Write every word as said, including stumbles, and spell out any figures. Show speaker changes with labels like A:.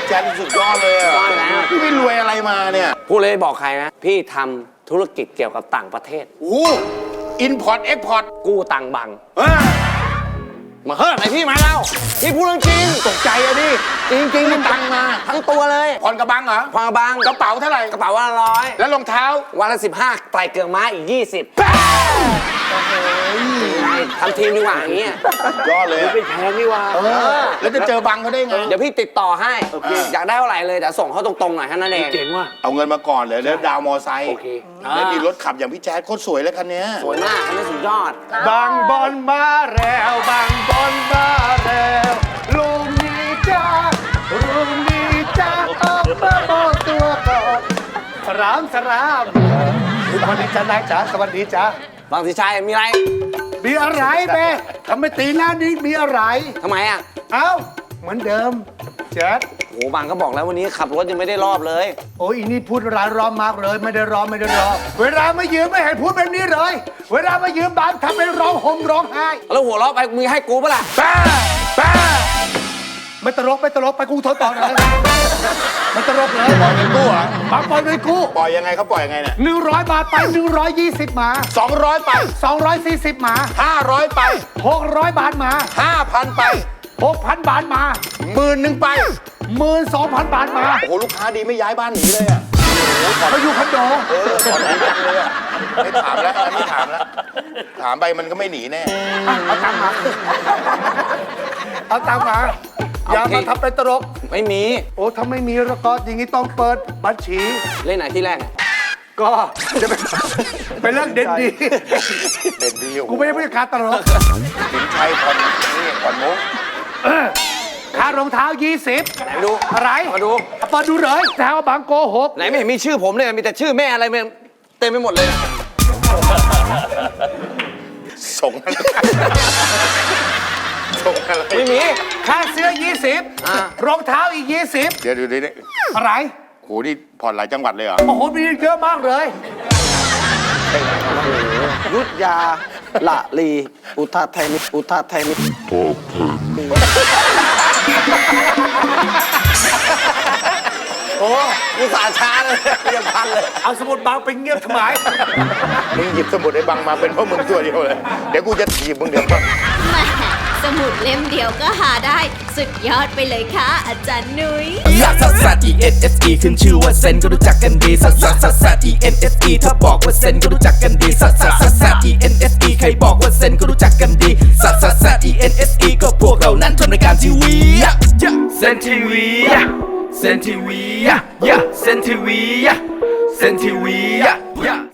A: แจ๊ดสุดยอดเลยอ่ะพี่ไม่รวยอะไรมาเนี่ย
B: พูดเลยบอกใครนะพี่ทำธุรกิจเกี่ยวกับต่างประเทศ
A: โอ้อินพอร์ตเอ็กพอร์ต
B: กู้ตังค์บังมาเฮ้ยไหนพี่มาแล้วพี่พูดเรื่องจริง
A: ตกใจอะดิจริงจริงมันตังมา
B: ทั้งตัวเลย
A: ผ่อนกระบังเหรอ
B: ผ่อนกระบัง
A: กระเป๋าเท่าไหร่
B: กระเป๋าวันละร้อย
A: แล้วรองเท้า
B: วันละสิบห้าไตรเกลือม้าอีกยี่สิบทำทีมดีกว่าอย่างเงี้ย
A: ยอดเลย
B: เป็นแพงดีกว่า
A: แล้วจะเจอบังเขาได้ไง
B: เดี๋ยวพี่ติดต่อให้อยากได้เท่าไหร่เลยแต่ส่งเขาตรงๆหน่อยแค่นั้นเอง
C: เจ๋งว่ะ
A: เอาเงินมาก่อนเลยแล้วดาวมอไซค์แล้วมีรถขับอย่างพี่แจ๊ดโคตรสวยเลยคันนี้
B: สวยมากคันนี้สุดยอด
C: บางบอลมาแล้วบางบอลมาแล้วลุงนี่จ้าลุงนี่จ้าออกมาบอกตัวก่อนสรามสรามสวัสดีจ้านายจ๋าสวัสดีจ้า
B: บางสิชัยมีอะไร
C: มีอะไรเบ้ทำไมตีหน้านี้มีอะไร
B: ทำไมอ่ะ
C: เอ้าเหมือนเดิมแจ๊ด
B: โอ้บางก็บอกแล้ววันนี้ขับรถยังไม่ได้รอบเลย
C: โอ้ยอีนี่พูดร้านร้อมมากเลยไม่ได้ร้องไม่ได้ร้องเวลามายืมไม่เห็นพูดแบบนี้เลยเวลามายืมบางทำเป็นร้องห่มร้องไห้
B: แล้วหัวเราะไปมึงให้กูปะล่ะ
C: ป้าป้าไม่ตลกไม่ตลกไปกูโทรต่อเลยไม่ตลกเลย
A: ปล่อยเงินกู้เหรอบ
C: างปล่อยเงินกู้
A: ปล่อยยังไงเขาปล่อยยังไงเนี่ย
C: หนึ่งร้อยบาทไปหนึ่งร้อยยี่สิบมา
A: สองร้อยไป
C: สองร้อยสี่สิบมา
A: ห้าร้อยไป
C: หกร้อยบาทมา
A: ห้าพันไป
C: หกพันบาทมา
A: หมื่นหนึ่งไป
C: หมื่นสองพันบาทมา
A: โอ้โหลูกค้าดีไม่ย้ายบ้านหนีเลยอ่ะ
C: เขาอยู่คอนโด
A: เออถอนหนีจังเลยอ่ะไม่ถามแล้วไม่ถามแล้วถามไปมันก็ไม่หนีแน่
C: เอาตังค์มาเอาตังค์มาอย่ามาทำเป็นตลก
B: ไม่มี
C: โอ้ถ้าไม่มีแล้วก็อย่างนี้ต้องเปิดบัญชี
B: เล่นไหนที่แรก
C: ก็จะเป็นเป็นเรื่องเด่นดี
A: เด่นดี
C: กูไม่ได้พูดการตลก
A: สินชัยผ่อนนี่ผ่อนมุก
C: ค่ารองเท้ายี่สิบ
B: ไหนดู
C: อะไร
B: มาดู
C: เปิดดูเลยแถวบางโกหก
B: ไหนไม่เห็นมีชื่อผมเลยมีแต่ชื่อแม่อะไรเต็มไปหมดเลย
A: ส่งส่งอะไร
B: ไม่มี
C: ค่าเสื้อยี่สิบรองเท้าอีกยี่สิบ
A: เดี๋ยวดูดิ
C: อะไร
A: โหนี่ผ่อนหลายจังหวัดเลยเหรอ
C: โอ้โหมีเยอะมากเลย
B: ยุทธยาละลีอุทัยธานีอุทัยธานีโอ้กูสาช้าเลยยังพันเลย
C: เอาสมุดบางไปเงียบทำไม
A: มึงหยิบสมุดไอ้บังมาเป็นเพราะมึงตัวเดียวเลยเดี๋ยวกูจะถีบมึงเดี๋ยวก่อน
D: แหมสมุดเล่มเดียวก็หาได้สุดยอดไปเลยค่ะอาจารย์นุ้ย
E: ลักซัสซัส E N S E ขึ้นชื่อว่าเซนก็รู้จักกันดีซัสซัสซัสซัส E N S E ถ้าบอกว่าเซนก็รู้จักกันดีซัสซัสซัสซัส E N S E ใครบอกว่าเซนก็รู้จักกันดีซัสซัสซัส E N S E ก็พวกเรานั้นทำรายการทีวีเซนทีวีเซนทีวีเซนทีวีเซนทีวี